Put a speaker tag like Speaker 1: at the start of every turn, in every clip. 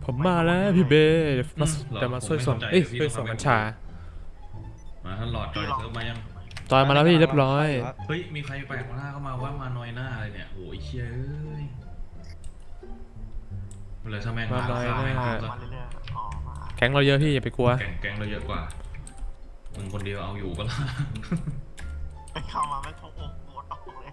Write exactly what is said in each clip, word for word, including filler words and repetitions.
Speaker 1: ผมมาแล้วพี่เบย์มาจะมาช่วยส่งเอ้ยช่วยส่งกัญชา
Speaker 2: มาท่านหลอดจอยเซิร์ฟมายัง
Speaker 1: จอยมาแล้วพี่เรียบร้อย
Speaker 2: เฮ้ยมีใครแปลกหน้าเข้ามาว่ามาน้อยหน้าอะไรเนี่ยโอ้ยเชี่ยเอ้ยเลยถ้าแม่งมาน้อยหน้า
Speaker 1: แก๊งเราเยอะพี่อย่าไปกลัว
Speaker 2: แก๊งแก๊งเราเยอะกว่ามึงคนเดียวเอาอยู่ก็ละ
Speaker 3: เข้ามาไม่คงอกหมดออกเลย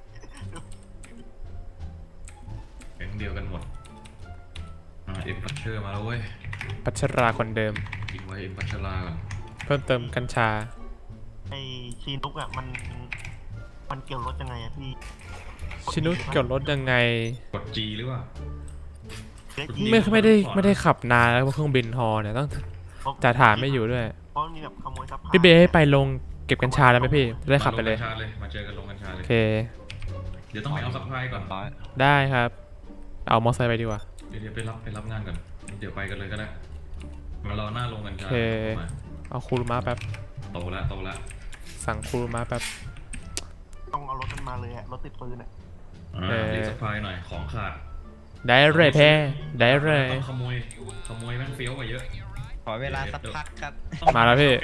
Speaker 2: แก๊งเดียวกันหมดเอ็มพัชเชอร์มาแล้วเว้ย
Speaker 1: พัชราคนเดิม
Speaker 2: ยิงไว้เอ็มพัชราก่อน
Speaker 1: เพิ่มเติมกัญชา
Speaker 3: ไอชีนุกอ่ะมันมันเกี่ยวรถยังไงอะพี่
Speaker 1: ชินุกเกี่ยวรถยังไง
Speaker 2: กด G หรือเปล่า
Speaker 1: ไม่ไม่ได้ไม่ได้ขับนานแล้วเครื่องบินฮอเนี่ยต้องจ่าฐานไม่อยู่ด้วยพี่เบย์ให้ไปลงเก็บกัญชาแล้วไหมพี่ได้ขับไปเลย
Speaker 2: มาเจอกันลงกัญชาเลย
Speaker 1: โอเค
Speaker 2: เดี๋ยวต้องไปเอาซัพพลายก่อน
Speaker 1: ได้ครับเอามอเตอร์ไซค์ไปดีกว่า
Speaker 2: เดี๋ยวไปรับไปรับงานก่อนเดี๋ยวไปกันเลยก็ได้มารอหน้าลงกัญชา
Speaker 1: โอเคเอาคูรุมะแป๊บ
Speaker 2: โตแล้วโตแล้ว
Speaker 1: สั่งคูรุมะแป๊บ
Speaker 3: ต้องเอารถมันมาเลยอะรถติดปืนอะ
Speaker 2: รีซัพพลายหน่อยของขาด
Speaker 1: ได้เลยแพ้ได้เลย
Speaker 2: ขโมยขโมยแม่งเฟี้ยวกว่าเยอะ
Speaker 4: ขอเวลาสักพักครับ
Speaker 1: มาแล้วพี่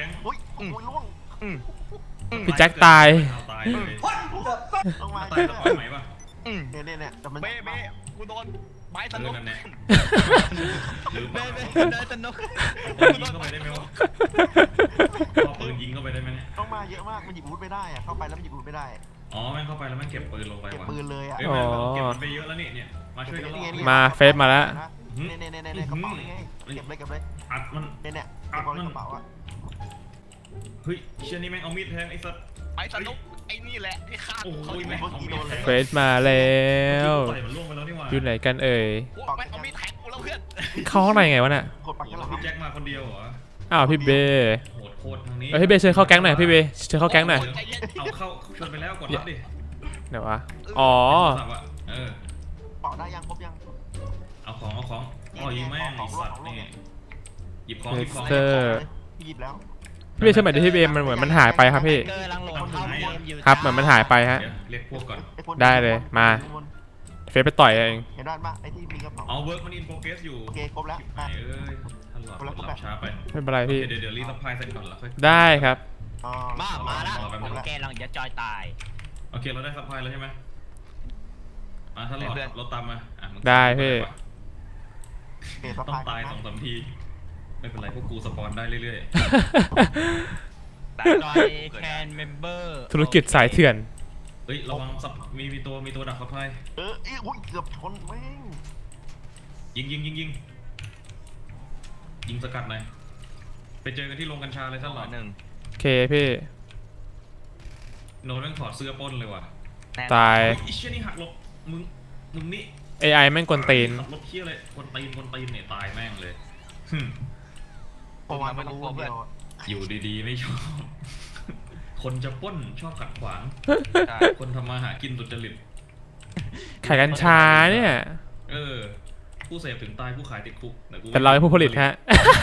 Speaker 1: พี่แจ็คตาย
Speaker 2: ตายเลยต้องมาตายแล้วปล่อยไหมป่ะ
Speaker 3: เนี่ยเนี่ยเนี่ยแต่มัน
Speaker 4: เบ้เบ้กูโดนไม้สนุก
Speaker 2: นั่นแน่
Speaker 4: หรือเบ้เบ้ได้สนุก
Speaker 2: ยิงเข้าไปได้ไหมวะพอปืนยิงเข้าไปได้ไหมเนี่ย
Speaker 3: ต้องมาเยอะมากมันหยิบอาวุธไม่ได้อะเข้าไปแล้วมันหยิบอาวุธไม่ได้
Speaker 2: อ๋อแม่งเข้าไปแล้วแม่งเก็บปืนลงไปว่ะ
Speaker 3: เก็บปืนเลยอะ
Speaker 2: อ๋อเก็บไปเยอะแล้วนี่เนี่ยมาช่วยกัน
Speaker 1: มาเฟซมาแล้ว
Speaker 3: เนี่ยเนี่ยเนี่ยเนี่ยกระเป๋านี่ไงเก็บเลยเก็บเลย
Speaker 2: อัดมัน
Speaker 3: เนี่ยเนี่ยกระเป๋ากระเป๋าอะ
Speaker 2: เฮ้ยเชี่ยนี่แม่งเอามีดแทงไอ้สัตว์
Speaker 4: ไอ้สนุกไอ้นี่แหละที่ฆ่า
Speaker 2: เขาแม่งเอามีดแทง
Speaker 1: เฟซมาแล้วอยู่ไหนกันเอ่ย
Speaker 4: แม่งเอามีดแทงกูแล้วเพื่อน
Speaker 1: เข้าห้องไหนไงวะเนี่ย
Speaker 2: พี่แจ็คมาคนเดียวเหรอ
Speaker 1: อ้าวพี่เบย์
Speaker 2: โหดโคตรทางนี้
Speaker 1: เฮ้ยพี่เบย์เชิญเข้าแก๊งหน่อยพี่เบย์เชิญเข้าแก๊งหน่อย
Speaker 2: เอาเข้าชวนไปแล้วกดรับดิ
Speaker 1: เดี๋ยววะอ๋อ
Speaker 2: เออ
Speaker 3: เป่าได้ยังครบยัง
Speaker 2: เอาของเอาของอ๋อยิงแม่งไอ้สัตว์นี่หยิบของหยิบของ
Speaker 3: หยิบแล้ว
Speaker 1: พี่เบย์เชื่อไหมดิพี่เบย์มันเหมือนมันหายไปครับพี่ครับเหมือนมันหายไปฮะ
Speaker 2: เรียกพวกก่อน
Speaker 1: ได้เลยมาเฟซไปต่อยเอง
Speaker 3: เห็นด้านปะไอ้ที่มีกระเป๋า
Speaker 2: เอาเวิร์กมันอินโฟกัสอยู่
Speaker 3: โอเคครบแล้ว
Speaker 2: เอ้ยท่านหลอดหลับช้าไป
Speaker 1: ไม่เป็นไรพี่
Speaker 2: เดี๋ยวเดี๋ยวรีซัพพลายเสร็จก่อนแล้วค่อย
Speaker 1: ได้ครับ
Speaker 4: มามาแล้วแกลังจะจอยตาย
Speaker 2: โอเคเราได้ซัพพลายแล้วใช่ไหมมาท่านหลอดรถตามมา
Speaker 1: ได้พี่
Speaker 2: ต้องตายสองสามทีไม่เป็นไรพวกกูสปอนได้เรื่อย
Speaker 4: ๆจอยแคนเมมเบอร์
Speaker 1: ธุรกิจสายเถื่อน
Speaker 2: เฮ้ยระวังซับมีมีตัวมีตัวดักซัพพลาย
Speaker 3: เออเอ้ยเกือบชนแม่ง
Speaker 2: ยิงยิงยิงยิงยิงสกัดหน่อยไปเจอกันที่โรงกัญชาเลยท่านหลอด
Speaker 4: หนึ่ง
Speaker 1: โอเคพี่
Speaker 2: โน้ตแม่งถอดเสื้อปล้นเลยว่ะ
Speaker 1: ตาย
Speaker 2: ไอ้เชี่ยนี่หักหลบมึงมึงนี่
Speaker 1: เอ ไอ แม่งกวนตีน
Speaker 2: ขับรถเชี่ยเลยกวนตีนกวนตีนเนี่ยตายแม่งเลย
Speaker 3: ประมาณไม่รู้เพื่อน
Speaker 2: อยู่ดีๆไม่ชอบคนจะปล้นชอบขัดขวางคนทำมาหากินสุจริต
Speaker 1: ขายกัญชาเนี่ย
Speaker 2: เออผู้เสพถึงตายผู้ขายติดคุก
Speaker 1: แต่เราเป็นผู้ผลิตฮะ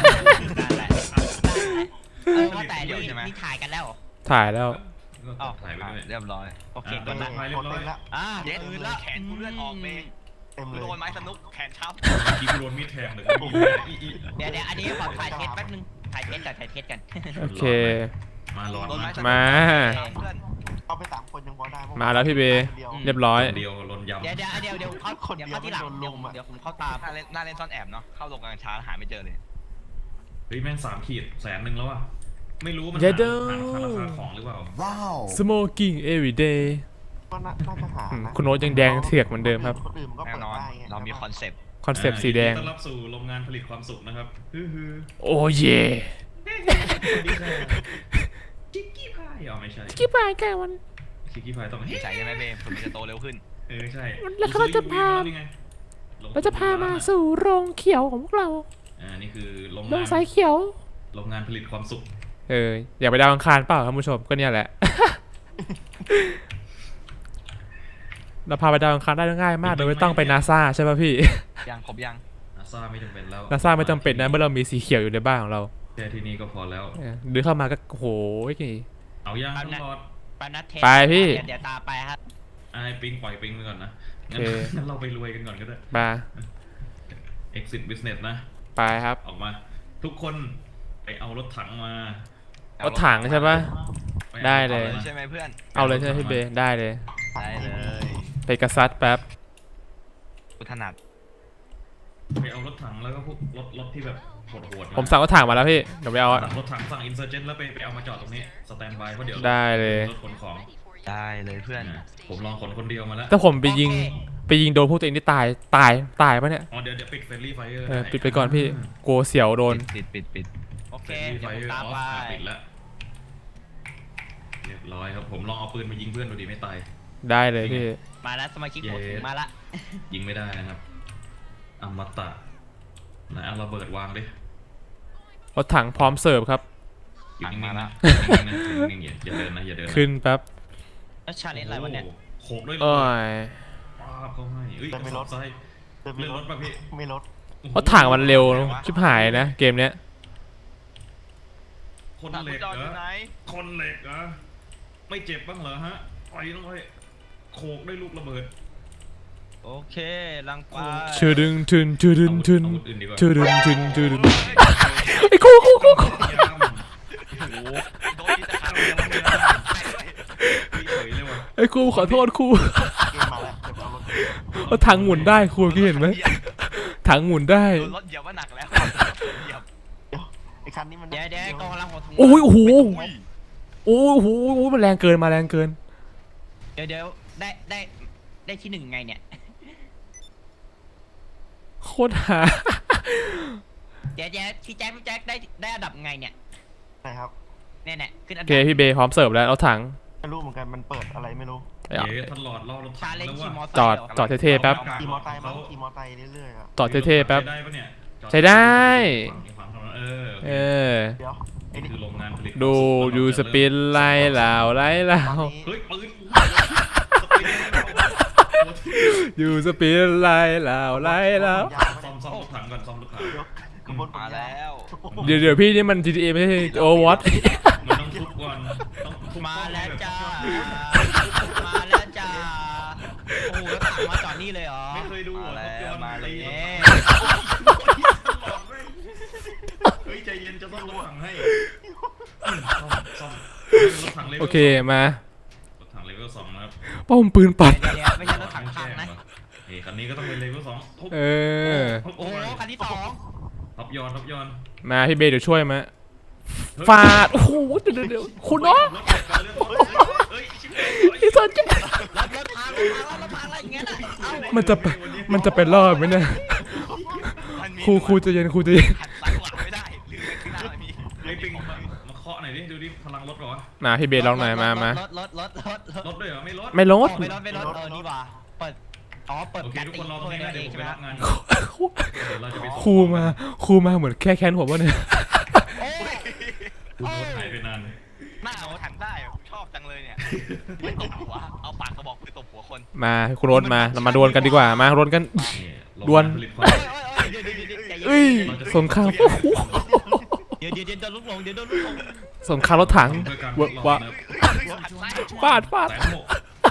Speaker 4: เออว่าแต่นี่ถ่ายกันแล้ว
Speaker 1: ถ่ายแล้ว
Speaker 2: อ๋อถ่ายไปด้วย
Speaker 4: เรียบร้อยโอเค
Speaker 2: กดละเรียบร้อย
Speaker 4: อ่าเด็ดอื่นละแขนกูเลือดออกเองโดนไม้สนุกแขนช้
Speaker 2: ำกีโดนมีดแทงเลย
Speaker 4: เดี๋ยวเดี๋ยวอันนี้ขอถ่ายเทสแป๊บนึงถ่ายเทสกันถ่ายเทสกัน
Speaker 1: โอเค
Speaker 2: มาหลอด
Speaker 1: มา
Speaker 3: เอาไปสามคนยังพอได้
Speaker 1: มาแล้วพี่เบย์เรียบร้อย
Speaker 2: เดียวลนยำ
Speaker 4: เดี๋ยวเดี๋ยวเดี๋ยวเดี๋ยวเขาเดี๋ยวเขาที่หลังเดี๋ยวผมเข้าตามหน้าเล่นซ่อนแอบเนาะเข้าลงกลางช้าหาไม่เจอเลย
Speaker 2: เฮ้ยแม่งสามขีดแสนหนึ่งแล้วอ่ะไม่รู้มัน
Speaker 1: หา
Speaker 2: ราคาของหรือเปล่า
Speaker 3: ว้าว
Speaker 1: smoking every day
Speaker 3: ก็น่าจะหา
Speaker 1: คุณโน้ตยังแดงเถือกเหมือนเดิมครับ
Speaker 4: แน่นอนเรามีคอนเซปต์
Speaker 1: คอนเซปต์สีแดง
Speaker 2: ต้อนรับสู่โรงงานผลิตความสุขนะครับ
Speaker 1: โอ้เย่
Speaker 2: ชิคกี้พายอ๋อไม่ใช่
Speaker 1: ชิคกี้พายแกวัน
Speaker 2: ชิคกี้พายต้อง
Speaker 4: ใส่ใช่ไหมเบมผมจะโตเร็วขึ้น
Speaker 2: เออใช่
Speaker 1: แล้วเขาจะพาเราจะพามาสู่โรงเขียวของพวกเรา
Speaker 2: อ่านี่คือโรง
Speaker 1: โรงสายเขียว
Speaker 2: โรงงานผลิตความสุข
Speaker 1: เอออยากไปดาวอังคารเปล่าท่านผู้ชมก็เนี่ยแหละเราพาไปดาวอังคารได้ง่ายมากโดยไม่ต้องไปนาซาใช่ป่ะพี่
Speaker 4: ยังครบยัง
Speaker 2: นาซาไม่จำเป็นแล้ว
Speaker 1: นาซาไม่จำเป็นนะเมื่อเรามีสีเขียวอยู่ในบ้านของเรา
Speaker 2: แค่ที่นี่ก็พอแล้ว
Speaker 1: เดินเข้ามาก็โหย
Speaker 2: เอาย่างตลอด
Speaker 1: ไปพี่
Speaker 4: เดี๋ยวตาไปครับ
Speaker 2: ไอ้ปิงปล่อยปิงไปก่อนนะงั้นเราไปรวยกันก่อนก็ได้
Speaker 1: มา
Speaker 2: exit business นะ
Speaker 1: ไปไปครับ
Speaker 2: ออกมา ทุกคนไปเอารถถังมา
Speaker 1: รถถังใช่ปะ
Speaker 2: ป
Speaker 1: ได้เลย
Speaker 2: อา
Speaker 4: ใช่ไหมเพื่อน
Speaker 1: เอาเลยใช่ไหมพี่เบได้เลย
Speaker 4: ได้เลย
Speaker 1: ไปกระซัดแป๊บ
Speaker 4: กูถนัด
Speaker 2: ไปเอารถถังแล้วก็พวกรถรถที่แบบโหดๆา
Speaker 1: ผมสั่งรถถังมาแล้วพี่เดี๋ยวไปเอาอะ
Speaker 2: สั่งรถถังสั่งอินเซอร์เจนแล้วไปไปเอามาจอดตรงนี้สแตนบายเพราะเดี๋ยว
Speaker 1: ได้เลย
Speaker 2: รถขนของ
Speaker 4: ได้เลยเพื่อน
Speaker 2: อ่ะผมลองขนคนเดียวมาแล้ว
Speaker 1: ถ้าผมไปยิงไปยิงโดนพวกตัวเองที่ตายตายตายปะเนี่ย
Speaker 2: อ๋อเดี๋ยวเดี๋ยวปิดเฟรนลี่ไฟเออร์
Speaker 1: เออปิดไปก่อนพี่กลัวเสียวโดน
Speaker 4: ปิดปิดปิดโอเค
Speaker 2: เฟรนลี่ไฟ
Speaker 4: เดี๋ยวผม
Speaker 2: เออร์
Speaker 4: ตาม
Speaker 2: อ๋อ
Speaker 4: ไป
Speaker 2: ปิดแล้วเรียบร้อยครับผมลองเอาปืนมายิงเพื่อนดูดีไม่ตาย
Speaker 1: ได้เลยพี่
Speaker 4: มาแล้วสมาชิก
Speaker 2: เย้
Speaker 4: ผมถึงมาละ
Speaker 2: ยิงไม่ได้นะครับอมตะไหนเอาระเบิดวางดิ
Speaker 1: รถถังพร้อมเสิร์ฟครับ
Speaker 2: อยู่นิ่ง
Speaker 4: มา
Speaker 2: ๆ
Speaker 4: ละ
Speaker 2: นะนิ่งๆอย่าอย่าเดินนะอย่าเดินนะ
Speaker 1: ขึ้นแป๊บ
Speaker 4: แล้วชาเลนจ์อะไรวะเนี่ย
Speaker 2: โโหโขกด้วย
Speaker 1: โอ้ย
Speaker 2: ป้าบเขาให้เอ้ยกระสอบทราย
Speaker 3: เดินไป
Speaker 2: เลื่อน
Speaker 3: ร
Speaker 2: ร
Speaker 3: ถ
Speaker 2: ถป่ะพี่
Speaker 3: ไม่รถ
Speaker 1: รถถังมันเร็วชิบหายนะเกมเนี้ย
Speaker 2: คนเหล็กเหรอคนเหล็กเหรอไม่เจ็บบ้างเหรอฮะไปน้องไปโขกด้วยลูกระเบิด
Speaker 4: โอเคลังไป
Speaker 1: ชื่อดึงทึนชื่อดึงทึน
Speaker 2: อาวุธอื่นดีกว่า
Speaker 1: ชื่อดึงทึนชื่อดึงไอ้กูกูกูกู
Speaker 2: ยาม
Speaker 4: โอ้โหโดนที่ตะขาบเดียวมันเลยไปด้วย
Speaker 2: เฉยเลยว่ะ
Speaker 1: ไอ้กูขอโทษครู
Speaker 3: เกมมาแล้วเดี๋ยวไปเอารถ
Speaker 1: รถถังหมุนได้ครูพี่เห็นไหมถังหมุนได้
Speaker 4: โดนรถเหยียบว่าหนักแล้วเหยียบ
Speaker 3: เดี๋ยวไอ้คันนี้มัน
Speaker 4: เดี๋ยวเดี๋ยวกองกำลังหัวถุง
Speaker 1: โอ้ยโอ้โหโอ้โหโอ้โหมันแรงเกินมาแรงเกิน
Speaker 4: เดี๋ยวเดี๋ยวได้ได้ได้ที่หนึ่งไงเนี่ย
Speaker 1: โคตรหา
Speaker 4: เดี๋ยวเดี๋ยวพี่แจ็คพี่แจ็คได้ได้อันดับไงเนี่ย
Speaker 3: นะครับ
Speaker 4: เนี่ยเนี่ยขึ้นอัน
Speaker 1: โอ
Speaker 4: ดั
Speaker 1: เคพี่เบย์พร้อมเสิร์ฟแล้วรถถัง
Speaker 3: ไม่รู้เหมือนกันมันเปิดอะไรไม่รู้
Speaker 2: เดี๋ยวท่านหลอดรอรถถั
Speaker 4: ชาง เลน
Speaker 2: แล้ว
Speaker 4: จ์ขี่มอ
Speaker 2: ว่า
Speaker 4: ไซค์
Speaker 1: จอด
Speaker 4: หร
Speaker 1: จอดเท่ๆแป๊บ
Speaker 3: ขี่มอไซค์มั้งขี่มอไซค์เรื่อยๆอ่ะ
Speaker 1: จอดเท่ๆแป๊บ
Speaker 2: ใช้ได้ปะเนี่ยจอ
Speaker 1: ใช้ได้
Speaker 2: ฝั่งฝั่งเออ
Speaker 1: เออ
Speaker 3: เดี๋ยวไอ้
Speaker 2: นี่
Speaker 3: นี่
Speaker 2: คือโรงงานผลิต
Speaker 1: ดูดูสปินไล่เหล่าไล่เหล่า
Speaker 3: ตอนนี้
Speaker 2: เฮ้ยปืน
Speaker 1: อยู่สปินไล่เหล่าไล่เหล่า
Speaker 2: ซ่อมซ่อมรถถังก่อนซ่อมรถถัง
Speaker 3: เดี๋ยวขบวนผม
Speaker 4: มาแล้ว
Speaker 1: เดี๋ยวเดี๋ยวพี่นี่มัน จี ที เอ ไม่ใช่ Overwatch
Speaker 2: มันต้องทุบก่อนต้องทุบ
Speaker 4: มา
Speaker 2: ป้อ
Speaker 4: แล้ว
Speaker 2: บบ
Speaker 4: จ้ามาแล้วจ้าโอ้โหแล้วถังมาจอดนี่เลยเหรอ
Speaker 2: ไม่เคยดู
Speaker 4: มา
Speaker 2: เหรอ
Speaker 4: แล้วมาแล้ว
Speaker 2: เฮ้ยใจเย็นจะต้องรถถังให้ซ่อมซ่อมรถถังเลเวล
Speaker 1: โอเคมาร
Speaker 2: ถถังเลเวลสองนะครับ
Speaker 1: ป้อมปืนปัด
Speaker 4: เดี๋ยวเดี๋ยวไม่ใช่รถถังพังนะ
Speaker 2: เฮ้ยคันนี้ก็ต้องเป็นเลเวลสองทุบ
Speaker 1: เออ
Speaker 2: ทุบ
Speaker 4: โอ้โหคันที่สอง
Speaker 2: ทับยอนทับยอน
Speaker 1: มาพี่เบย์เดี๋ยวช่วยมาฟาดโอ้โหเดี๋ยวเดี๋ยวเดี๋ยวคุณเนาะ
Speaker 2: เฮ้ยชิบ
Speaker 1: ไอ้สัตว์จะ
Speaker 4: รถรถพังรถพังรถพังอะไรอย่างเงี้ยน่ะเอ้า
Speaker 1: มันจะไปมันจะเป็นรอบไหมเนี่ย
Speaker 4: มันมี
Speaker 1: ครูครูใจะเย็นครูใจะเย็น
Speaker 4: หันซ้ายขวาไม่ได้ลืมไปข้างหน้ามี
Speaker 2: ไอ้ปิงมามาเคาะหน่อยดิดูดิพลังรถก่อน
Speaker 1: มาพี่เบย์ลองหน่อยมามา
Speaker 4: รถรถรถรถรถ
Speaker 2: รถด้วยเหรอไม่รถ
Speaker 1: ไม่ลด
Speaker 4: ไม่รถไม่รถเออนี่ว่ะเปิดอ๋อเปิด
Speaker 2: โอเค
Speaker 4: การ
Speaker 2: ทุก
Speaker 4: ตี
Speaker 2: คนรอต
Speaker 4: ตั
Speaker 2: รง
Speaker 4: ว
Speaker 2: นี้
Speaker 4: เอ
Speaker 2: นะเดี๋ยว
Speaker 4: ง
Speaker 2: ผม
Speaker 4: ใช่
Speaker 2: ไป
Speaker 4: ไหม
Speaker 2: รับงานเดี๋ยวเราจะไป
Speaker 1: ครูมาครูมาเหมือนแค่แค้นผมวะเนี่ย
Speaker 4: โอ้ย
Speaker 2: คุณรถหายไปนาน
Speaker 4: หน้าเอาถังได้ชอบจังเลยเนี่ยไม่ตบหัวเอาปากกระบอกปืนตบหัวคน
Speaker 1: มาคุณโรนมาเรามาดวลกันดีกว่ามาดวลกัน ดวล
Speaker 4: โอ้ยโอ้ยโอ้ยเดี๋ยวเดี๋ยวเดี๋ยวใจเย็น
Speaker 1: เอ้ยสงครามโอ้โห
Speaker 4: เดี๋ยวเดี๋ยวเดี๋ยวโดนลูกหลงเดี๋ยวโดนลูกหลง
Speaker 1: สงครามรถถัง
Speaker 2: ด้วยการ
Speaker 1: วะวะ
Speaker 4: หันซ้าย
Speaker 1: ฟาดฟาด
Speaker 2: แสนหก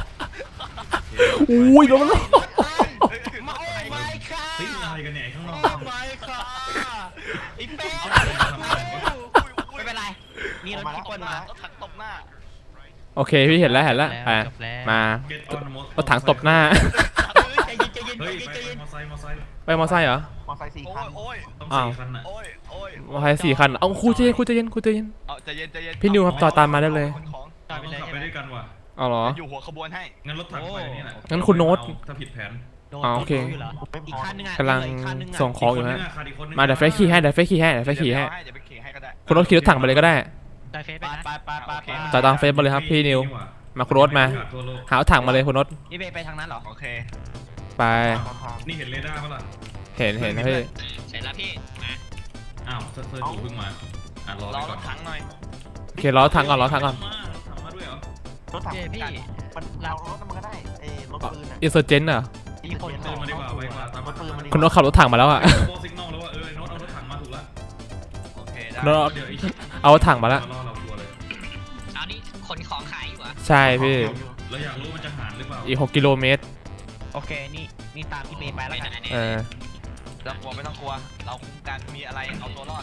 Speaker 1: อุ้ยโดนแล้ว
Speaker 4: มาโอ้ยไม่ค่ะ
Speaker 2: เฮ้ยอะไรกันเนี่ยข้างน
Speaker 4: โอ้
Speaker 2: อก
Speaker 4: ไม่ค่ะไอ้เป้ไม่เป็นไรนี่รถที่ปล้นมารถถังตบหน้า
Speaker 1: โอเคพี่เห็นแล้วเห็นแล้วไปมา
Speaker 2: เก็ตออนมอ
Speaker 1: รถถังตบหน้า
Speaker 4: ใจเย็นใจเย็น
Speaker 2: เฮ้ย
Speaker 4: ใจ
Speaker 2: ไป
Speaker 4: เย็น
Speaker 2: มอไซค์มอไซค์
Speaker 1: ไปมอไซค์เหรอ
Speaker 3: มอไซค์สี่
Speaker 4: โอ้
Speaker 3: คัน
Speaker 4: ยโอ้ย
Speaker 2: ต้อง
Speaker 1: อ้าว
Speaker 2: สี่คันน่ะ
Speaker 4: โอ้ยโอ้ย
Speaker 1: มอไซค์สี่คันเอาครูใจเย็นครูใจเย็นครูใจเย็น
Speaker 4: เอาใจเย็นใจเย็น
Speaker 1: พี่นิวครับต่อตามมาได้เลย
Speaker 4: ขนของ
Speaker 2: เราต้องขับไปด้วยกันว่ะ
Speaker 1: เอาเหรอ
Speaker 4: อยู่หัวขบวนให้
Speaker 2: งั้นรถถังไปนี่แหละ
Speaker 1: งั้นคุณโน้ต
Speaker 2: ถ้าผิดแผน
Speaker 1: อ๋อโอเค
Speaker 3: ไม่พ
Speaker 4: อีก
Speaker 3: อ
Speaker 4: คันนึงอ่ะ
Speaker 1: กำลัง
Speaker 4: อีกคันนึงอะ
Speaker 1: ส่งของอยู่
Speaker 2: ก
Speaker 1: ฮะ
Speaker 2: คนนึงะขาดอีกคนนึง
Speaker 1: มาเดี๋ยวเฟซขี่ให้เดี๋ยวเฟซขี่ให้เดี๋ยวเฟซขี่ให้
Speaker 4: เดี๋ยวไปขี่ให้ก็ได้
Speaker 1: คุณรถขี่รถถังไปเลยก็ได้
Speaker 4: ได้เฟซไปไปไปไปไป
Speaker 1: ต่อตามเฟซมาเลยครับพี่นิว มาคุณรถมา
Speaker 2: ทั่วโลก
Speaker 1: หาถังมาเลยคุณรถ
Speaker 4: นี่เบไปทางนั้นเหรอโอเค
Speaker 1: ไป
Speaker 3: ตามทาง
Speaker 2: นี่เห็นเรดาร์ปะล่ะ
Speaker 1: เห็นเห็นนะพี่
Speaker 4: เสร็จแล้วพี่มา
Speaker 2: อ้าวเซอร์เซอร์ดูเพิ่งมาอ่ะรอ
Speaker 4: ร
Speaker 2: ไป
Speaker 4: อร
Speaker 2: ก่อน
Speaker 4: ถถังหน่อย
Speaker 1: โอเคล้อถังก่อนล้อถังก่อน
Speaker 2: มารถถังมาด้วยเหรอ
Speaker 3: รถถัง
Speaker 4: เย้พี่
Speaker 3: มันเรารถมันก็ได้เอ้รถปืนอ่ะ
Speaker 1: อินเซอร์เจนเหรอ
Speaker 4: มีคน
Speaker 2: เดินมาดีกว่าไวกว่าตาม
Speaker 3: รถปืนมันดี
Speaker 1: คุณรถขับรถถังมาแล้วอ่ะ
Speaker 2: โบสิกนอลแล้วว่าเออไอ้โน้ตเอารถถังมาถูกแล้ว
Speaker 4: โอเคได้
Speaker 1: รถ
Speaker 2: เดี๋ยวไอ้
Speaker 1: เอารถถังมาแล้ว
Speaker 2: รอเราตัวเลย
Speaker 4: เอานี่ขนของขายอยู่เหรอ
Speaker 1: ใช่พี่
Speaker 2: เราอยากรู้มันจะหารหรือเปล่า
Speaker 1: อีกหกกิโลเมตร
Speaker 4: โอเคนี่นี่ตามพี่เมย์ไปแล้วกัน
Speaker 1: เออ
Speaker 4: ต้องกลัวไม่ต้องกลัวเราคุ้มกันมีอะไรเอาตัวรอด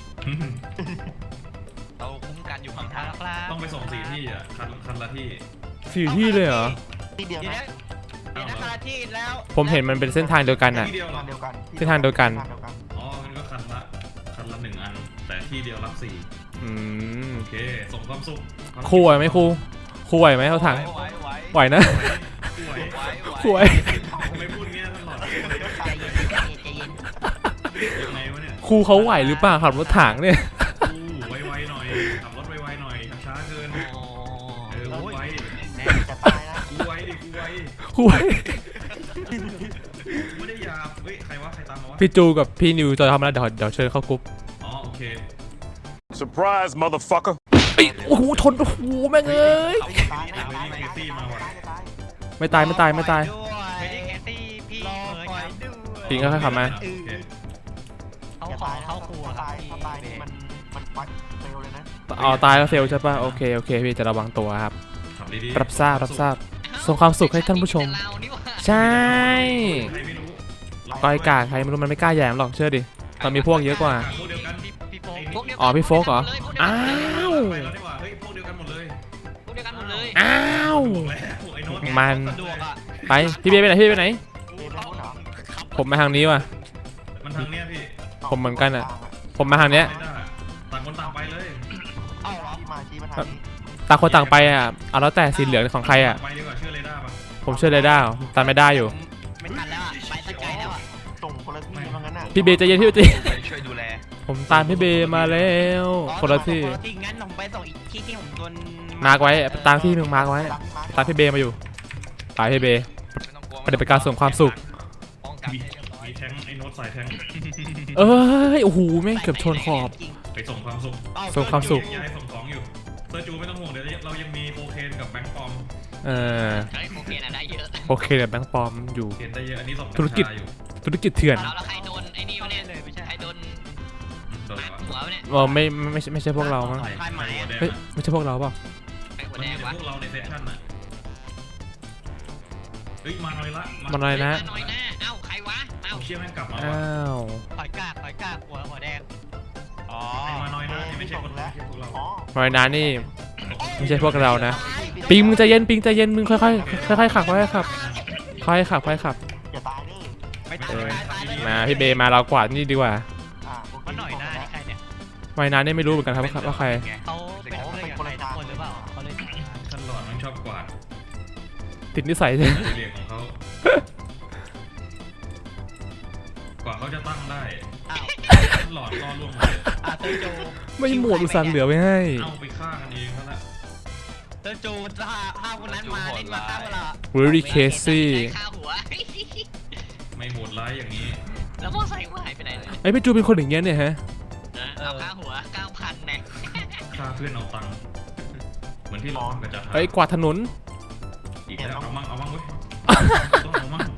Speaker 4: เราคุ้มกันอยู่ห่างทางครับ
Speaker 2: ต้องไปส่งสี่ที่อ่ะคันคันละที่
Speaker 1: สี่ที่เลยเหรอ
Speaker 3: ที่เดียว
Speaker 4: เดี๋ยว
Speaker 3: นะ
Speaker 4: นะเดี๋ยวนะที่แล้ว
Speaker 1: ผมเห็นมันเป็นเส้นทางเดียวกันอ่ะ
Speaker 2: ที่เดียวเหรอ
Speaker 3: ทางเดียวกัน
Speaker 1: ที่ทางเดียวกัน
Speaker 3: ทางเดียวกัน
Speaker 2: อ๋องั้นก็คันละคันละหนึ่งอัน แต่ที่เดียวรับสี่
Speaker 1: อืม
Speaker 2: โอเคส่งความสุข
Speaker 1: ครูไหวไหมครูครูไหวไหมเขาถัง
Speaker 4: ไหวไหว
Speaker 1: ไหวนะ
Speaker 2: ไหว
Speaker 4: ไหว
Speaker 1: ครูไหว
Speaker 2: ไม่พูดเงี้ยตลอด
Speaker 4: ใจเย็นใจเย็นใจเย็น
Speaker 2: ยังไงวะเนี่ย
Speaker 1: ครูเขาไหวหรือเปล่าขับรถถังเนี่ย
Speaker 2: อู้ไวๆหน่อยขับรถไวๆหน่อยช้าๆเกิน
Speaker 4: โอ้
Speaker 2: เออกูไว
Speaker 3: จะตายนะ
Speaker 2: กูไวดิกูไว
Speaker 1: ครูไหว
Speaker 2: ไม่ได้หยาบเฮ้ยใครวะใครตามมาวะ
Speaker 1: พี่จูกับพี่นิวจะทำอะไรเดี๋ยวเดี๋ยวเชิญเข้ากรุ๊ป
Speaker 2: อ๋อโอเค
Speaker 5: Surprise, motherfucker.
Speaker 1: เอ้ยโอ้โหชนโอ้โหแม่งเอ้ย
Speaker 3: จะตายนะจะตายจะตายจะตายจะตาย
Speaker 1: ไม่ตายไม่ตายไม่ตาย
Speaker 4: ไม่ได้แคสตี้พี่เหมือนกันด้วย
Speaker 1: ปิงค่อยๆขับมา
Speaker 2: โอเค
Speaker 4: เขา
Speaker 3: จะ
Speaker 4: ขอ
Speaker 3: ตาย
Speaker 4: เข้าครัว
Speaker 3: ถ้า
Speaker 4: ครับ
Speaker 3: ตายถ้าตายนี่มันมันปัดเร็วเลยนะ
Speaker 1: เอาตายแล้วเฟลใช่ป่ะโอเคโอเคพี่จะระวังตัวครับ
Speaker 2: ขับดีๆ
Speaker 1: รับทราบรับทราบส่งความสุขให้ท่านผู้ชม ใช่
Speaker 2: ใครไม่รู้
Speaker 1: ก้อยกากใครไม่รู้มันไม่กล้าแย้มหรอกเชื่อดิมันมีพวกเยอะกว่า
Speaker 2: พวกเดียวกัน
Speaker 4: พี่โฟกพวกเดียว
Speaker 1: อ๋อพี่โฟกเหรออ้าว
Speaker 2: ไปแล้วดีกว่าเฮ้ยพวกเดียวกันหมดเลย
Speaker 4: พวกเดียวกันหมดเลย
Speaker 1: อ้าว
Speaker 2: บอกแล้วไอ้โน้ต
Speaker 1: มัน
Speaker 4: สะดวกอ่ะ
Speaker 1: ไปพี่เบย์ไปไหนพี่เบย์ไปไหน
Speaker 3: เบย์ไม่รู้เหรอ
Speaker 1: ผมมาทางนี้ว่ะ
Speaker 2: มันทางเนี้ยพี่
Speaker 1: ผมเหมือนกันอะ ผมมาทางเนี้ย
Speaker 2: ไม่ได้ต่างคนต่างไปเลย
Speaker 4: เอ้าเหรอ
Speaker 3: ที่มาชี้มาทางนี้
Speaker 1: ต่างคนต่างไปอ่ะเอาแล้วแต่สีเหลืองของใครอ่ะ
Speaker 2: ไปดีกว่าเชื่อเรดาร์ป่ะ
Speaker 1: ผมเชื่อเลยได้เหรอตามไม่ได้อยู่
Speaker 4: ไม่ทันแล้วอ่ะไปสักไกลแล้วอ่ะ
Speaker 3: ส่งคนละที่ว่างั้นน่ะ
Speaker 1: พี่เบย์ใจเย็นพี่เบย์ใจเย็น
Speaker 4: ช่วยดูแล
Speaker 1: ผมตามพี่เบย์มาแล้วคนละที่
Speaker 4: คนละที่งั้นผมไปส่งอีกที่ที่ผมโดน
Speaker 1: มาร์กไว้ตามที่มึงมาร์กไว้
Speaker 3: ตามที่มา
Speaker 1: ตามพี่เบย์มาอยู่ตามพี่เบย์
Speaker 4: ไม่ต้องกลัว
Speaker 1: ปฏิบัติการส่งความสุข
Speaker 4: ป้องกัน
Speaker 2: มี
Speaker 4: ให้เรียบร้อย
Speaker 2: มีแทงไอ้โน้ตสายแทง
Speaker 1: เอ้ยโอ้โหแม่งเกือบชนขอบ
Speaker 2: ไปส่งความสุข
Speaker 1: ส่งความสุข
Speaker 2: ย้ายส่งของอยู่เซอร์จูไม่ต้องห่วงเดี๋ยวเรายังมีโคเคนกับแบงค์ปลอม
Speaker 1: เออ
Speaker 4: เฮ้ยโอเคนะได้เยอะ
Speaker 1: โอเคเดี๋ยวแบงค์ปลอมอยู่
Speaker 2: เห็นได้เยอะอันนี้ส่ง
Speaker 1: ธุรกิจ
Speaker 2: กัญชาอยู่
Speaker 1: ธุรกิจเถื่อน
Speaker 4: แล้วแล้วใครโดนไอ้นี่วะเนี่ยใครโดน
Speaker 2: ตัว
Speaker 4: มา
Speaker 2: อะไร
Speaker 4: หัว
Speaker 2: วะ
Speaker 4: วะเนี่ย
Speaker 1: เออไม่ไม่ไม่ใช่ไม่ใช่พวกเรามั้ง
Speaker 2: ใครใครหัวแดง
Speaker 1: เฮ้ย
Speaker 2: อะ
Speaker 1: ไม่ใช่พวกเราเปล่า
Speaker 4: ใครหัว
Speaker 2: มัน
Speaker 4: แด
Speaker 2: มี
Speaker 4: ง
Speaker 2: แต่
Speaker 4: วะ
Speaker 2: พวกเราในเซสชั่นอ่ะเฮ้ยมาหน่อยละ
Speaker 1: มันอะไรนะ
Speaker 4: น้อยหน้าเอ้าใครวะเอ้า
Speaker 2: เอาเชี่ยแม่งกลับมาว่ะ
Speaker 1: อ้าว
Speaker 4: ถอยกากถอยกากหัวหัวแดงอ๋อ
Speaker 2: ไอ้มาหน่อยนะนี่ไม่ใช่คนไม่ใช่พวกเรา
Speaker 3: อ๋อ
Speaker 1: มอยนานี่ไม่ใช่พวกเรานะปิงมึงใจเย็นปิงใจเย็นมึงค่อยๆค่อยๆขับค่อยๆขับค่อยๆขับค่อยๆขับ
Speaker 3: อย่าตายเด้อ
Speaker 4: ไม่ตาย
Speaker 1: เออ
Speaker 4: ไม่ตายเลย
Speaker 1: มาพี่เบย์มาเรากวาดนี่ดีกว่า
Speaker 3: อ่าโอเค
Speaker 4: มันหน่อยหน้านี่ใครเนี่ย
Speaker 1: มอยนานี่ไม่รู้เหมือนกันครับว่าว่าใคร
Speaker 4: เขาเป็นเพื่อนกับใครทุกคนหรือเปล่าเขาเลย
Speaker 2: ท่านหลอดมันชอบกวาด
Speaker 1: ติดนิสัยเลย
Speaker 2: เรียกของเขากว่าเขาจะตั้งได้
Speaker 4: อ้าว
Speaker 2: ท่านหลอดล่อล่วงหมดเลย
Speaker 4: อ่ะเตอร์จู
Speaker 1: ไม่หมวดอุตส่าห์เหลือไว้ให้
Speaker 2: เอาไปฆ่ากันเองเขาละ
Speaker 4: เตอร์จูถ้าถ้าคนนั้นมาเล่นมาฆ่าเวลา
Speaker 1: Very Casey
Speaker 4: ฆ่าหัว
Speaker 2: ไม่โหดร้ายอย่างนี้
Speaker 4: แล้วมอไซค์หายไปไหนเลย
Speaker 1: ไอ้พี่จูเป็นคนอย่างเงี้ยเนี่ยฮะ
Speaker 4: เอาค่าหัวเก้าพันแน่
Speaker 2: ฆ่าเพื่อนเอาตังค์เหมือนที่เราทำกับจัด
Speaker 1: ไอ้ยกวาดถนน
Speaker 2: อีกแล้วเอามั่งเอามั่งเว้ยต้องเอามั่ง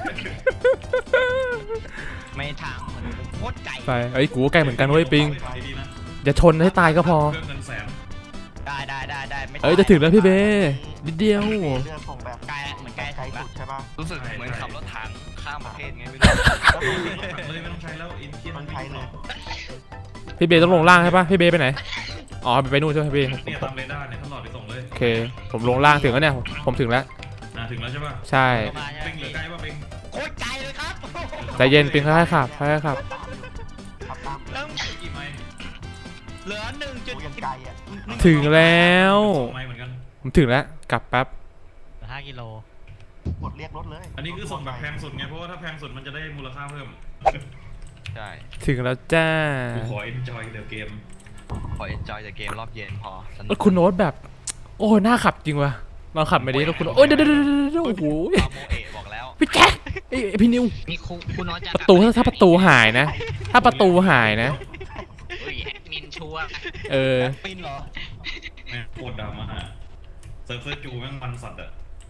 Speaker 4: ไม่ทางเหมือนโคตรไก่
Speaker 1: ไปไอ้ยกูก็ใกล้เหมือนกันเว้ยปิง
Speaker 2: ดีๆนะ
Speaker 1: อย่าชนให้ตายก็พอ
Speaker 2: เครื่องเงินแสน
Speaker 4: ได้ได้ได้ได้ไม่
Speaker 1: เอ้ยจะถึงแล้วพี่เบย์นิดเดียว
Speaker 3: เรือส่งแบบ
Speaker 4: ไกลแล้วเหมือนไกล
Speaker 3: ไกล
Speaker 4: สุด
Speaker 3: สุดใช่ป่ะ
Speaker 6: รู้สึกเหมือนขับรถถังข้ามประเทศไงไม่รู้
Speaker 3: แล้วผมเห็น
Speaker 2: เลยไม่ต้องใช้แล้วอินเทียน
Speaker 3: มันใช้เลย
Speaker 1: พี่เบย์ต้องลงล่างใช่ปะพี่เบย์ไปไหนอ๋อไปนู่นใช่ไหมพี่เบย์
Speaker 2: เนี่ยตามเรดาร์เนี่ยท่านหลอดไปส่งเลย
Speaker 1: โอเค ผมลงล่างถึงแล้วเนี่ยผมถึงแล้ว
Speaker 2: อ่าถึงแล้วใช่ป่ะ
Speaker 1: ใช่
Speaker 4: มา
Speaker 2: ปิงเหลือใกล้ป่ะปิง
Speaker 4: โคตรไกลเลยครับ
Speaker 1: ใจเย็นปิงค่อยๆขับค่อยๆขับ
Speaker 3: ขับตาม
Speaker 4: เริ่ม
Speaker 2: กี่ไมล์
Speaker 4: เหลือหนึ่งจุด
Speaker 3: กูยังไกลอ่ะ
Speaker 1: ถึงแล้ว
Speaker 2: สองไมล์เหมือนกัน
Speaker 1: ผมถึงแล้วกลับแป๊บ
Speaker 4: ห้ากิโล
Speaker 3: กดเรียกรถเลย
Speaker 2: อันนี้คือส่งแบบแพงสุดไงเพราะว่าถ้าแพงสุดมันจะได้มูลค่าเพิ่ม
Speaker 6: ใช่
Speaker 1: ถึงแล้วจ้า
Speaker 2: กูขอ enjoy the game
Speaker 6: ขอ enjoy แต่เกมรอบเย็นพอสนุ
Speaker 1: รถคุณโน้ตแบบ โอ้น่าขับจริงว่ะลองขับไปดิรถคุณโน้ตโอ้ยเดี๋ยวเดี๋ยวเดี๋ยวเดี๋ยวโอ้โห
Speaker 6: ปาโมเอะบอกแล้ว
Speaker 1: พี่แจ๊คไอ้ยพี่นิว
Speaker 4: นี่คุณคุณน้อยจะ
Speaker 1: ประตูถ้าถ้าประตูหายนะ ถ้าประตูหายนะ
Speaker 4: เฮ้ยแอดมินชัวร์
Speaker 1: เออ
Speaker 4: ปินเหรอ
Speaker 2: แม่งโคตรดราม่าเซิร์ฟเซอร์จูแม่งมันสัตว์อะ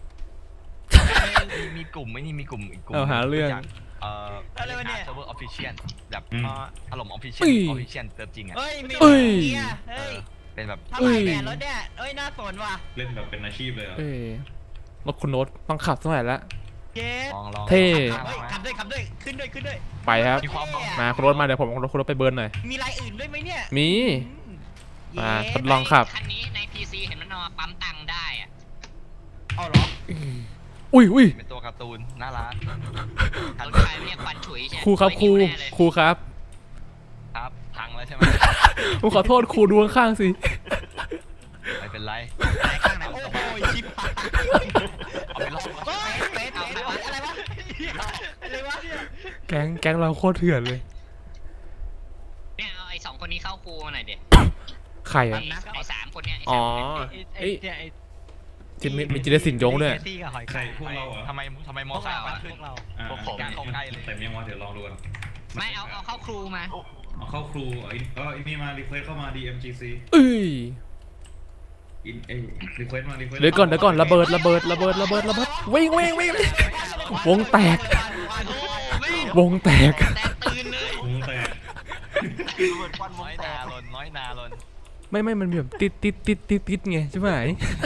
Speaker 6: มีมีกลุ่มไม่นี่มีกลุ่มอีกกลุ่ม
Speaker 1: เอาหาเรื่อง
Speaker 6: จากเอ่อ
Speaker 4: อะไรวะเนี่ย
Speaker 6: เซิร์ฟเวอร์ออฟฟิเชียลแบบ
Speaker 2: อืม
Speaker 6: อารมณ์ออฟฟิเชียล
Speaker 1: อุ้ย
Speaker 6: ออฟฟิเชียลเซิร์ฟจริงอ่ะ
Speaker 4: เฮ้ยมี
Speaker 1: เอ้ย
Speaker 4: เฮียเฮ้ย
Speaker 6: เป็นแบบ
Speaker 4: เท่าไหร่แบรนด์รถเนี่ยเอ้ยน่าสนว่ะ
Speaker 2: เล่นแบบเป็นอาชีพเลยอะ
Speaker 1: เอ้ยรถคุณโน้ตต้องขับเท่าไหร่ละ
Speaker 4: เย้
Speaker 6: ลองลอง
Speaker 1: เท่
Speaker 4: เฮ้ยขับด้วยขับด้วยขึ้นด้วยขึ้นด้วย
Speaker 1: ไปครับ
Speaker 6: มีความ
Speaker 1: มาคุณรถมาเดี๋ยวผมคุณรถคุณรถไปเบิร์นหน่อย
Speaker 4: มีลายอื่นด้วยไหมเนี่ย
Speaker 1: มี
Speaker 4: เย้
Speaker 1: มาทดลองขับ
Speaker 7: คันนี้ใน พี ซี เห็นมันเอามาปั๊มตังค์ได้อะ
Speaker 4: เอาเหรอ
Speaker 1: อุ้ยอุ้ย
Speaker 6: เป็นตัวการ์ตูนน่ารัก
Speaker 7: รถไฟเนี่ยควันฉุยใช่
Speaker 1: ครูครับครู
Speaker 7: ไม่หิวแน่เลย
Speaker 1: ครูครับ
Speaker 6: ครับพังแล้วใช่ไหม
Speaker 1: ผมขอโทษครูดูข้างๆสิ
Speaker 6: ไม่เป็นไร
Speaker 4: ไหนข้างไหนโอ้ยชิบหาย
Speaker 6: เอาไปลอง
Speaker 4: เฮ้ยเฟสอะไรวะอะไรวะอะไรวะเนี่ย
Speaker 1: แก๊งแก๊งเราโคตรเถื่อนเลย
Speaker 7: เนี่ยเอาไอ้สองคนนี้เข้าครูมาหน่อยเด็ด
Speaker 1: ใคร
Speaker 7: ไอ้
Speaker 1: อ่ะ
Speaker 7: ไอ้สามคนเนี้ยไอ้
Speaker 1: อ๋อ
Speaker 7: สามคนเนี่ย
Speaker 1: เอ้ยจิมีมีจิรศิลป์ยงด้วย
Speaker 2: ใครพวกเราเหรอ
Speaker 6: ทำไมทำไมมอไซค์มันขึ้น
Speaker 2: อ่า
Speaker 6: พวกผมเข้าใกล้เลย
Speaker 2: เต็มยังวะเดี๋ยวลองดูกัน
Speaker 7: ไม่เอาเอาเข้าครูมา
Speaker 2: เอาเข้าครูไอ้เออไอ้นี่มารีเควสเข้ามา ดี เอ็ม จี ซี
Speaker 1: เอ้ย
Speaker 2: อินเอ้รีเควสมารีเควส
Speaker 1: เดี๋ยวก่อนเดี๋ยวก่อนระเบิดระเบิดระเบิดระเบิดระเบิดวิ่งวิ่งวิ่งวิ่งวงแตก วงแตก
Speaker 7: แต่ตื่นเลย
Speaker 2: วงแตก
Speaker 3: ระเบิดควันว
Speaker 6: น้
Speaker 3: ง
Speaker 6: อย
Speaker 3: แต
Speaker 6: นาก ลนน้อยนาลน
Speaker 1: ไม่ไม่มันมีแบบติดติดติดติดติดไงใช่ไหม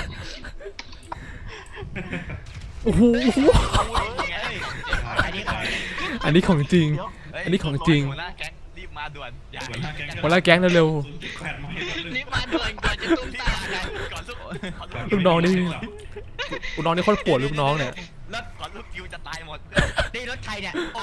Speaker 1: โอ้โห
Speaker 4: อันนี้ของ
Speaker 1: อันนี้ของจริง
Speaker 3: เดี๋ยว
Speaker 1: อันนี้ของจริง
Speaker 6: หัวหน้าแก๊งรีบมาด่วนอย่า
Speaker 2: หัวหน้าแก๊ง
Speaker 1: คนละแก๊งเร็ว
Speaker 2: ศูนย์จุดแปดมาให้แป๊บนึง
Speaker 7: นี่มาด่วนก่อนจะตุ้มตามกัน
Speaker 6: ก่อนลูก
Speaker 1: ๆลูกน้องนี่ลูกน้องนี่โคตรปวดลูกน้องเนี่ย
Speaker 6: รถก่อนลูกคิวจะตายหมด
Speaker 4: นี่รถใครเนี่ยเอา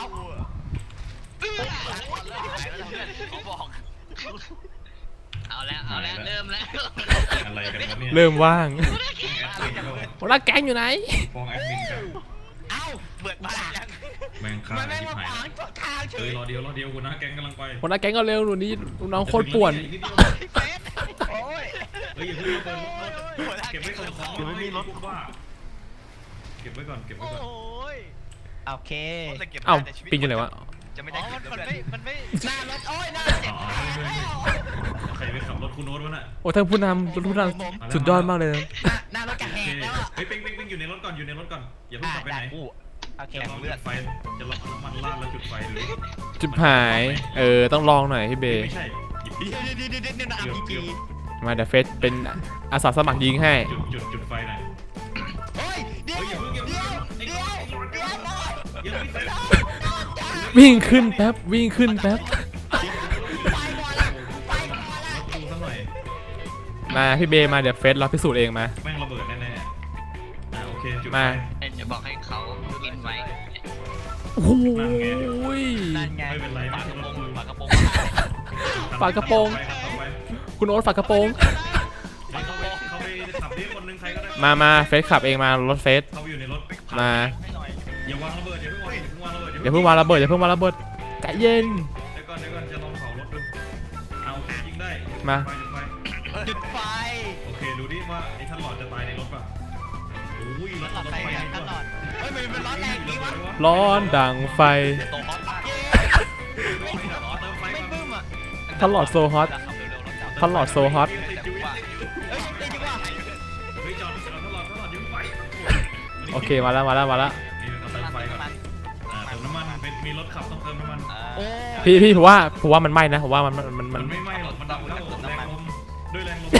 Speaker 6: เขาบอก
Speaker 7: เอาแล้วเอาแล้วเริ่มแล้ว
Speaker 2: อะไรกันวะเนี่ย
Speaker 1: เริ่มว่าง
Speaker 2: แอดมินเข้า
Speaker 1: คนละแก๊งอยู่ไหน
Speaker 2: ฟ้องแอดมินกัน
Speaker 4: เอ้า
Speaker 6: เบิดมายัง
Speaker 2: แม่งฆ่า
Speaker 4: มันไม่
Speaker 2: ชิบ
Speaker 4: มา
Speaker 2: หาย
Speaker 4: ขวางทางเฉ
Speaker 2: เอ้ย
Speaker 4: ย
Speaker 2: รอเดียวรอเดียวหัวหน้าแก๊งกำลังไป
Speaker 1: คนละแก๊งก็เร็วหนูนี้ลูกน้องโคตรป่วน
Speaker 2: อีกนิดเดียว
Speaker 4: เฟสโอ้ย
Speaker 2: เฮ้ยอย่าเพิ่งระเบิดรถเก็บไว้ก่อนของ
Speaker 3: เดี๋ยวไม่มีรถ
Speaker 2: ว่าเก็บไว้ก่อนเก็บไว้ก่อน
Speaker 4: ยโอเค
Speaker 1: เอ้าปิงอยู่ไหนวะ
Speaker 6: จะไม่ได้เก็บเพื่อน
Speaker 4: มันไม่หน้ารถโอ้ยหน้าเจ็บ
Speaker 2: อ๋อใครไปขับรถคุณโน้ตวะน่ะ
Speaker 1: โอ้ท่านผู้นำผู้นำสุดยอดมากเลยนะ
Speaker 4: หน้ารถกระแหกแล้วอ่ะ
Speaker 2: เฮ้ยปิงปิงปิงอยู่ในรถก่อนอยู่ในรถก่อนอย่าเพิ่งขับไปไหน
Speaker 6: อู้
Speaker 4: โอเค
Speaker 2: จะลองเลือดไฟจะลองน้ำมันราดแล้วจุดไฟดู
Speaker 1: จุดหาย เออต้องลองหน่อยพี่เบย์
Speaker 2: ไม่ใช่หยิบ
Speaker 4: เดี๋ยวเดี๋ยวเดี๋ยวเดี๋ยวเดี๋ยวอาร์พีจี
Speaker 1: มาเดี๋ยวเฟสเป็นอาสาสมัครยิงให้
Speaker 2: จุดจุดจุดไฟหน่อย
Speaker 4: เฮ้ยเดี๋ยว
Speaker 2: เฮ้ยอย่าเพิ่งอย่า
Speaker 4: เดี๋ยว
Speaker 2: เพิ่ง
Speaker 4: เดี๋ยวเดี๋ยวบอย
Speaker 2: ยังไม่เสร็จ
Speaker 1: วิ่งขึ้นแป๊บวิ่งขึ้นแป๊บ
Speaker 4: ไปก่อนละไปก่อนละ
Speaker 2: รถดูสักหน่อย
Speaker 1: มาพี่เบย์มาเดี๋ยวเฟสเราพิสูจน์เองมา
Speaker 2: แม่งระเบิดแน่ๆอ่าโอเคจุดไฟ
Speaker 1: มา
Speaker 7: เดี๋ยวบอกให้เขากินไว้
Speaker 1: โอ้โหย
Speaker 4: นั่นไง
Speaker 2: ไม่เป็นไร
Speaker 6: ฝา
Speaker 2: ไม่
Speaker 6: ก
Speaker 2: ใช่
Speaker 6: ระ
Speaker 2: ร
Speaker 6: โปร
Speaker 2: ถ
Speaker 6: ง
Speaker 2: กู
Speaker 6: ฝากระโปรง
Speaker 1: ฝากระโปรง
Speaker 2: ไปครับต่อไป
Speaker 1: คุณโอ๊ตฝากระโปรง
Speaker 2: เฮ้ยเขาไปเขาไปขับดิคนนึงใครก็ได้
Speaker 1: มามาเฟสขับเองมารถเฟส
Speaker 2: เขาอยู่ในรถ
Speaker 1: มา
Speaker 6: ให้หน่อย
Speaker 2: อย่าวางระเบิดอย่าเพิ่งวางอย่าเพิ่งวางระเบิด
Speaker 1: อย่าเพิ่งวางระเบิดอย่าเพิ่งวางระเบิดใจเย็น
Speaker 2: เดี๋ยวก่อนเดี๋ยวก่อนจะลองเผารถดูเอาโอเคยิงได้
Speaker 1: มา
Speaker 2: ไฟจุดไฟ
Speaker 4: จุดไฟ
Speaker 2: โอเคดูดิว่าไอ้ท่านหลอดจะตายในรถป่ะโอ้ยรถ
Speaker 4: หลอดไฟไงตลอดเฮ้ยมันเป็นร้อนแรงดีวะ
Speaker 1: ร้อนดังไฟ
Speaker 6: โตฮอตมาก
Speaker 2: เติมไฟ
Speaker 4: ไม่
Speaker 2: ก่อน
Speaker 4: บึ้มอ่ะ
Speaker 1: ท่านหลอดโซฮอต
Speaker 6: ขับเร็วๆรถจับ
Speaker 1: ท่านหลอดโซฮอต
Speaker 6: แต่ว่า
Speaker 4: เฮ้ยได้ดีกว่า
Speaker 2: เฮ้ยจอดจอดท่านหลอดท่านหลอดยิงไฟ
Speaker 1: โอเคมาแล้วมาแล้วมาแล้ว
Speaker 2: นี่เราเติมไฟก่อนอ่าเติมน้ำมันเป็นมีรถขับต้องเติมน้ำมัน
Speaker 4: โอ้
Speaker 1: พี่พี่ผมว่าผมว่ามันไหม้นะผมว่ามันมันมัน
Speaker 2: มั
Speaker 1: มัน น
Speaker 2: ไม่ไหม้หรอกมันดับแล้วแรงลมด้วยแรงลม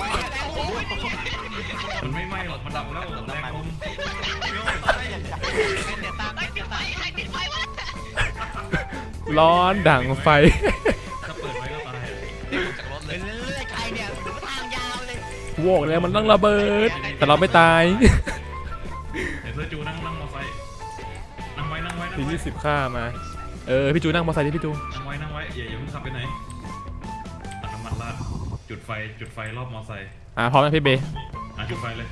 Speaker 2: มันไม่ไหม้หรอกมันดับแล้วแรงลม
Speaker 4: เดี๋ยวตามเดี๋ยวตาม
Speaker 7: ใครติดไฟวะ
Speaker 1: ร้อนดังไฟ
Speaker 2: ถ้าเปิดไว้ก็ตาย
Speaker 6: จากรถเล
Speaker 4: เรื่
Speaker 6: ย
Speaker 4: อยๆใครเนี่ยทางยาวเลย
Speaker 1: โวกเลยมันต้องระเบิด แต่เราไม่ตาย
Speaker 2: เดี๋ยวเธอจูนั่งนั่งมอไซค์นั่งไว้นั่งไว้นั่
Speaker 1: ที
Speaker 2: งไว้
Speaker 1: ยี่สิบค่ามา เออพี่จูนั่งมอเตอร์ไซค์ดิพี่จู
Speaker 2: นั่งไว้นั่งไว้อย่าอย่าเพิ่งขับไปไหนตัดน้ำมันราดจุดไฟจุดไฟรอบมอไซค์
Speaker 1: อ่าพร้อมไหมพี่เบย์
Speaker 2: อ่ะจุดไฟเลย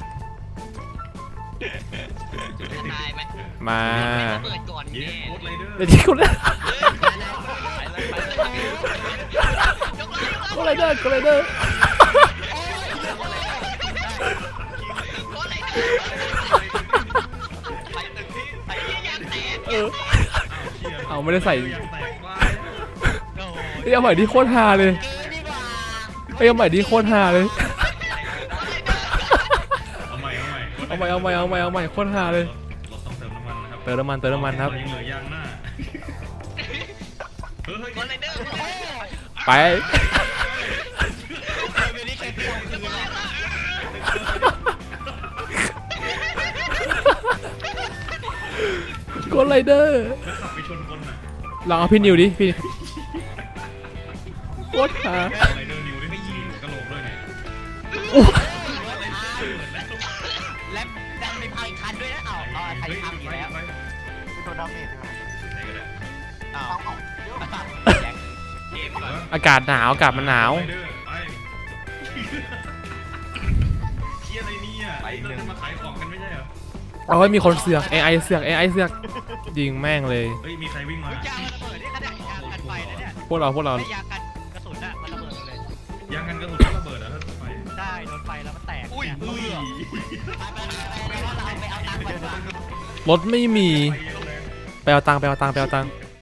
Speaker 2: จุดให้ติด
Speaker 7: ตายไหม
Speaker 1: มา
Speaker 7: ระเบิดก่อน
Speaker 2: เย้
Speaker 7: แน่
Speaker 2: โคตรไรเดอร์
Speaker 1: เดี๋ยวที่คุณ
Speaker 6: ไปเลยไปเลย
Speaker 1: ก็ไรเดอร์ก็ไรเดอร์
Speaker 6: ไปตึกที่ไป
Speaker 1: เออ
Speaker 2: เชี่ย
Speaker 1: เอาไม่ได้ใส่
Speaker 2: ยังแตกว้า
Speaker 1: เอ้ยเอาใหม่ดิโคตรฮาเลย
Speaker 4: เกินดีกว่า
Speaker 1: เอ้ยเอาใหม่ดิโคตรฮาเลย
Speaker 2: เอาใหม่เอาใหม่
Speaker 1: เอาใหม่เอาใหม่เอาใหม่เอาใหม่โคตรฮาเลย
Speaker 2: รถต้องเติมน้ำมันนะครับ
Speaker 1: เติมน้ำมันเติมน้ำมันครับ
Speaker 2: ยังเหลือยางหน้าเฮ้ย
Speaker 7: คนไรเดอร์
Speaker 1: ไป
Speaker 4: ไม่ได้ใครเที่ยวคืนหรอก
Speaker 1: กดไรเดอร์
Speaker 2: แล้วขับไปชนคนน่ะ
Speaker 1: ลองเอาพี่นิวดิพี่โคตรหา
Speaker 2: ไรเดอร์นิวได้ไม่ยิงกระโหลกด้วยเนี่ย
Speaker 4: และดันไปพังอีกคันด้วยนะเอาเอาใครพังอีกแล้ว
Speaker 2: ไป
Speaker 3: ไม่โดนดาเมจใช่ไหม
Speaker 2: ไหนก็ได้
Speaker 4: เอา
Speaker 3: เอาเอาเดี๋ยว
Speaker 6: เกมก่อน
Speaker 1: อากาศหนาวอากาศมันหนาว
Speaker 2: ไรเดอร์ไปเชี่ยอะไรเนี่ยไอ้เราจะมาขายของกันไม่ใช่เหรอ
Speaker 1: เอาไว้มีคนเสือก เอ ไอ เสือก เอ ไอ เสือกยิงแม่งเลย
Speaker 2: เฮ้ยมีใครวิ่งมา
Speaker 4: ยางระเบิดนี่ขนาดยางกันไฟนะเนี่ย
Speaker 1: พวกเราพวกเรา
Speaker 4: ไม่ยางกันกระสุนอะมันระเบิดเลย
Speaker 2: ยางกันกระสุนระเบิดอ่ะถ้าไป
Speaker 4: ได้โดนไฟแล้วมันแตก
Speaker 6: อุ้ย
Speaker 4: เนี่ย
Speaker 2: อุ้ย
Speaker 4: ไปไปไปไปเราไปเอาตังค์ก่อนดีกว่า
Speaker 1: รถไม่มี
Speaker 2: ไปเยอะเลย
Speaker 1: ไปเอาตังค์ไปเอาตังค์ไปเอาตังค์
Speaker 2: เอ